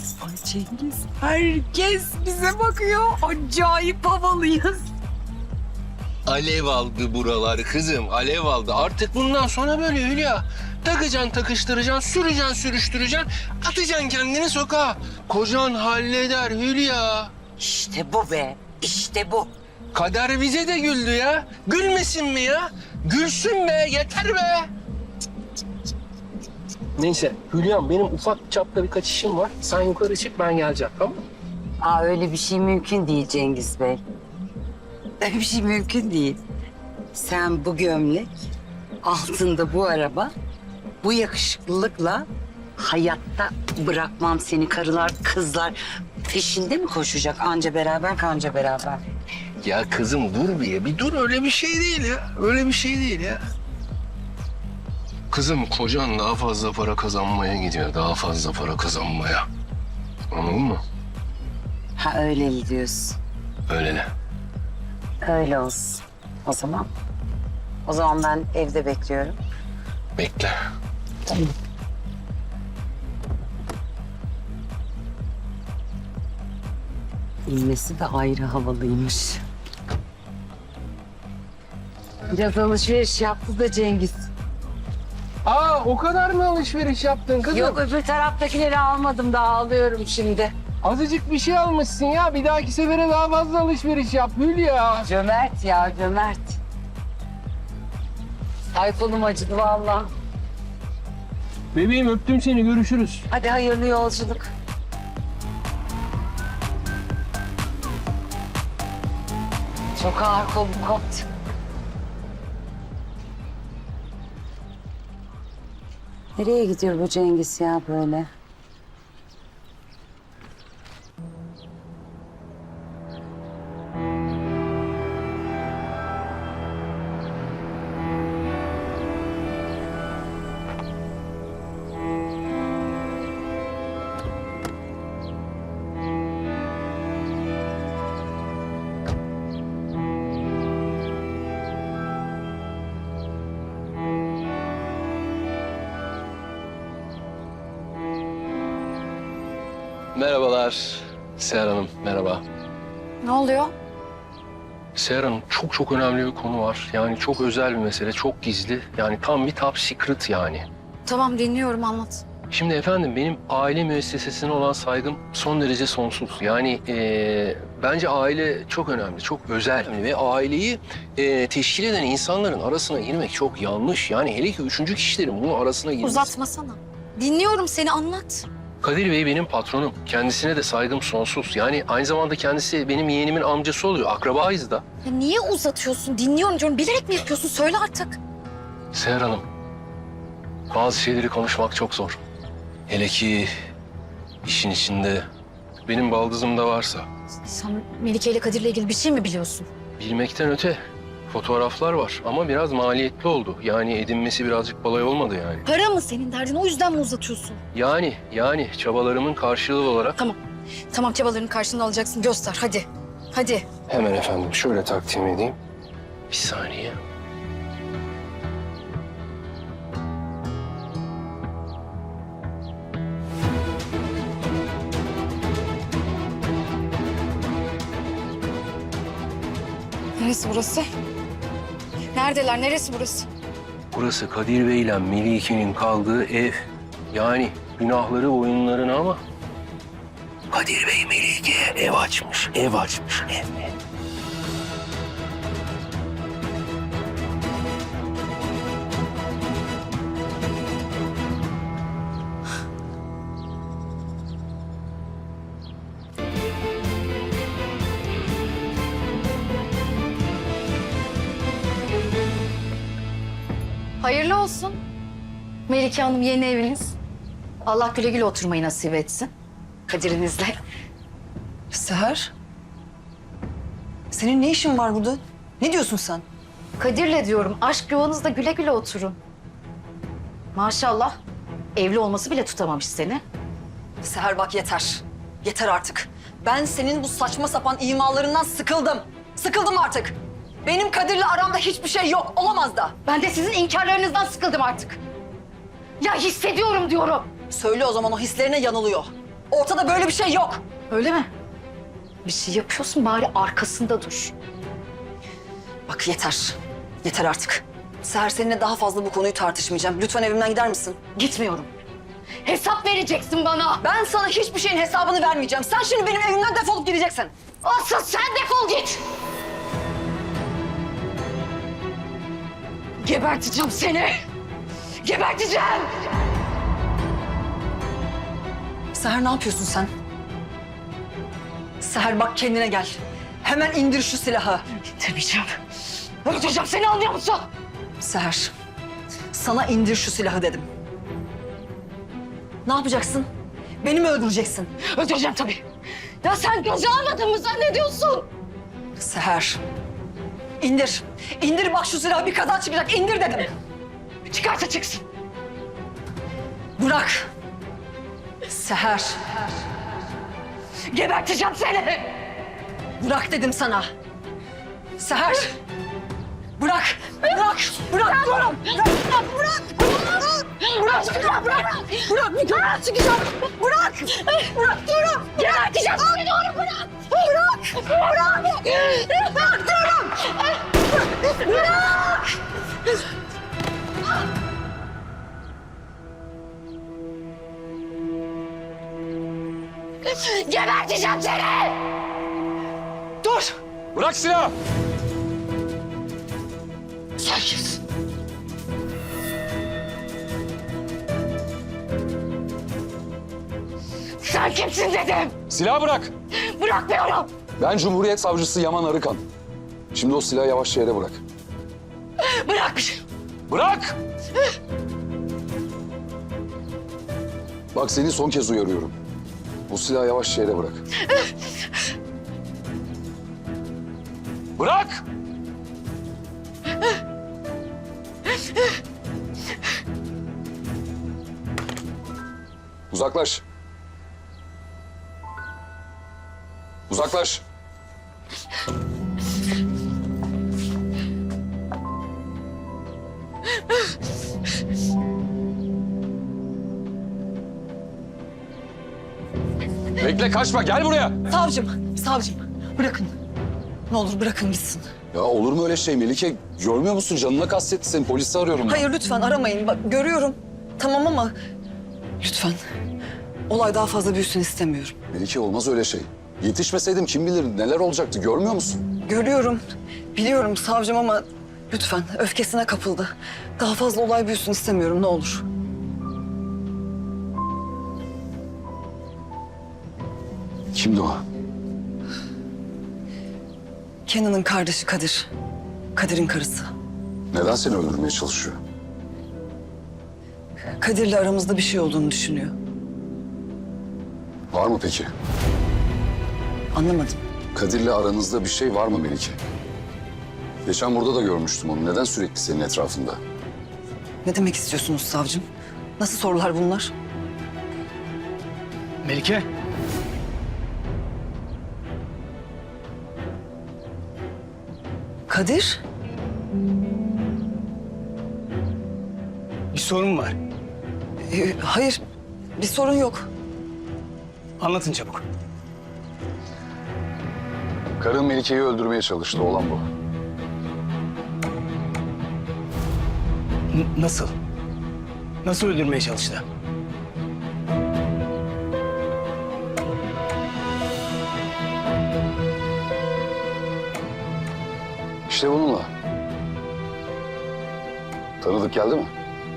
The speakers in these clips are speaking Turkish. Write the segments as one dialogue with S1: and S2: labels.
S1: Ay Cengiz, herkes bize bakıyor. Acayip havalıyız.
S2: Alev aldı buralar kızım, alev aldı. Artık bundan sonra böyle Hülya. Takacaksın, takıştıracaksın, süreceksin, sürüştüreceksin. Atacaksın kendini sokağa. Kocan halleder Hülya.
S1: İşte bu be, işte bu.
S2: Kader bize de güldü ya. Gülmesin mi ya? Gülsün be, yeter be. Neyse Hülya'm, benim ufak çapta birkaç işim var. Sen yukarı çık, ben geleceğim, tamam mı?
S1: Aa, öyle bir şey mümkün değil Cengiz Bey. Öyle bir şey mümkün değil. Sen bu gömlek, altında bu araba, bu yakışıklılıkla hayatta bırakmam seni. Karılar, kızlar peşinde mi koşacak? Anca beraber, kanca beraber.
S2: Ya kızım dur bir dur, öyle bir şey değil ya. Öyle bir şey değil ya. Kızım kocan daha fazla para kazanmaya gidiyor, daha fazla para kazanmaya. Anladın mı?
S1: Ha, öyle mi diyorsun?
S2: Öyle ne?
S1: Öyle olsun. O zaman. O zaman ben evde bekliyorum.
S2: Bekle.
S1: Tamam. İnmesi de ayrı havalıymış. Biraz alışveriş yaptı da Cengiz.
S2: Aa, o kadar mı alışveriş yaptın kızım?
S1: Yok, öbür taraftakileri almadım, daha alıyorum şimdi.
S2: Azıcık bir şey almışsın ya. Bir dahaki sefere daha fazla alışveriş yap Hülya.
S1: Cömert ya, cömert. Ay, kolum acıdı vallahi.
S2: Bebeğim öptüm seni, görüşürüz.
S1: Hadi hayırlı yolculuk. Çok ağır, kolum koptu. Nereye gidiyor bu Cengiz ya böyle?
S2: Merhabalar Seher Hanım, merhaba.
S3: Ne oluyor?
S2: Seher Hanım, çok önemli bir konu var. Yani çok özel bir mesele, çok gizli. Yani tam bir top secret yani.
S3: Tamam, dinliyorum, anlat.
S2: Şimdi efendim, benim aile müessesesine olan saygım son derece sonsuz. Yani bence aile çok önemli, çok özel. Ve aileyi teşkil eden insanların arasına girmek çok yanlış. Yani hele ki üçüncü kişilerin bunun arasına girmesi.
S3: Uzatmasana. Dinliyorum seni, anlat.
S2: Kadir Bey benim patronum. Kendisine de saygım sonsuz. Yani aynı zamanda kendisi benim yeğenimin amcası oluyor. Akrabayız da.
S3: Ya niye uzatıyorsun? Dinliyorum diyorum. Bilerek mi yapıyorsun? Söyle artık.
S2: Seher Hanım, bazı şeyleri konuşmak çok zor. Hele ki işin içinde benim baldızım da varsa.
S3: Sen Melike ile Kadir'le ilgili bir şey mi biliyorsun?
S2: Bilmekten öte fotoğraflar var ama biraz maliyetli oldu. Yani edinmesi birazcık kolay olmadı yani.
S3: Para mı senin derdin? O yüzden mi uzatıyorsun?
S2: Yani çabalarımın karşılığı olarak...
S3: Tamam. Tamam, çabalarının karşılığını alacaksın. Göster, hadi. Hadi.
S2: Hemen efendim şöyle takdim edeyim. Bir saniye.
S3: Neresi burası? Neredeler? Neresi burası?
S2: Burası Kadir Bey ile Melike'nin kaldığı ev. Yani günahları oyunlarına ama... Kadir Bey Melike'ye ev açmış, ev açmış, ev.
S3: Hayırlı olsun. Melike Hanım, yeni eviniz. Allah güle güle oturmayı nasip etsin. Kadir'inizle.
S4: Seher. Senin ne işin var burada? Ne diyorsun sen?
S3: Kadir'le diyorum, aşk yuvanızda güle güle oturun. Maşallah, evli olması bile tutamamış seni.
S4: Seher bak yeter. Yeter artık. Ben senin bu saçma sapan imalarından sıkıldım. Sıkıldım artık. Benim Kadir'le aramda hiçbir şey yok. Olamaz da.
S3: Ben de sizin inkarlarınızdan sıkıldım artık. Ya hissediyorum diyorum.
S4: Söyle o zaman, o hislerine yanılıyor. Ortada böyle bir şey yok.
S3: Öyle mi? Bir şey yapıyorsun bari arkasında dur.
S4: Bak yeter. Yeter artık. Seher seninle daha fazla bu konuyu tartışmayacağım. Lütfen evimden gider misin?
S3: Gitmiyorum. Hesap vereceksin bana.
S4: Ben sana hiçbir şeyin hesabını vermeyeceğim. Sen şimdi benim evimden defolup gideceksin.
S3: Asıl sen defol git. Geberteceğim seni. Geberteceğim.
S4: Seher ne yapıyorsun sen? Seher bak kendine gel. Hemen indir şu silahı.
S3: Demeyeceğim. Öldüreceğim seni, anlıyor musun?
S4: Seher, sana indir şu silahı dedim. Ne yapacaksın? Beni mi öldüreceksin?
S3: Öldüreceğim tabii. Ya sen göze almadın mı zannediyorsun?
S4: Seher, indir. İndir bak şu silahı, bir kaza çıkacak. İndir dedim.
S3: Çıkarsa çıksın.
S4: Bırak. Seher,
S3: Geberteceğim seni.
S4: bırak dedim sana. Seher, bırak. Bırak. Bırak diyorum. Bırak. Bırak. Bırak. Bırak. Bırak. Bırak. Bırak. Çıkacağım. Bırak. Bırak diyorum.
S3: Geberteceğim seni, doğru bırak.
S4: Bırak. Bırak. Bırak diyorum. Bırak.
S3: Geberteceğim seni.
S4: Dur.
S5: Bırak silahı!
S3: Sen kimsin? Sen kimsin dedim.
S5: Silahı bırak!
S3: Bırakmıyorum.
S5: Ben Cumhuriyet Savcısı Yaman Arıkan. Şimdi o silahı yavaşça yere bırak.
S3: Bırakmışım.
S5: Bırak! Bak seni son kez uyarıyorum. Bu silahı yavaşça yere bırak. Bırak! Uzaklaş. Uzaklaş. Bekle kaçma gel buraya.
S4: Savcım, bırakın. Ne olur bırakın gitsin.
S5: Ya olur mu öyle şey Melike? Görmüyor musun? Canına kastetti seni. Polisi arıyorum ben.
S4: Hayır lütfen aramayın. Bak görüyorum. Tamam ama lütfen. Olay daha fazla büyüsün istemiyorum.
S5: Melike olmaz öyle şey. Yetişmeseydim kim bilir neler olacaktı görmüyor musun?
S4: Görüyorum. Biliyorum savcım ama lütfen öfkesine kapıldı. Daha fazla olay büyüsün istemiyorum ne olur.
S5: Kimdi o?
S4: Kenan'ın kardeşi Kadir. Kadir'in karısı.
S5: Neden seni öldürmeye çalışıyor?
S4: Kadir'le aramızda bir şey olduğunu düşünüyor.
S5: Var mı peki?
S4: Anlamadım.
S5: Kadir'le aranızda bir şey var mı Melike? Geçen burada da görmüştüm onu. Neden sürekli senin etrafında?
S4: Ne demek istiyorsunuz savcım? Nasıl sorular bunlar?
S6: Melike.
S4: Kadir?
S6: Bir sorun var.
S4: Hayır, bir sorun yok.
S6: Anlatın çabuk.
S5: Karın Melike'yi öldürmeye çalıştı. Olan bu.
S6: Nasıl? Nasıl öldürmeye çalıştı?
S5: İşte bununla. Tanıdık geldi mi?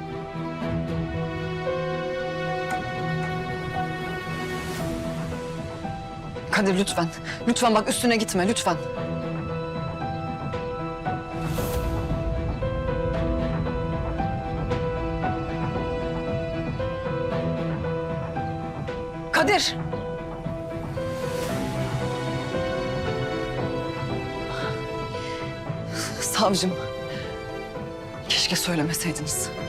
S4: Kadir lütfen. Lütfen bak üstüne gitme lütfen. Kadir. Savcım. Keşke söylemeseydiniz.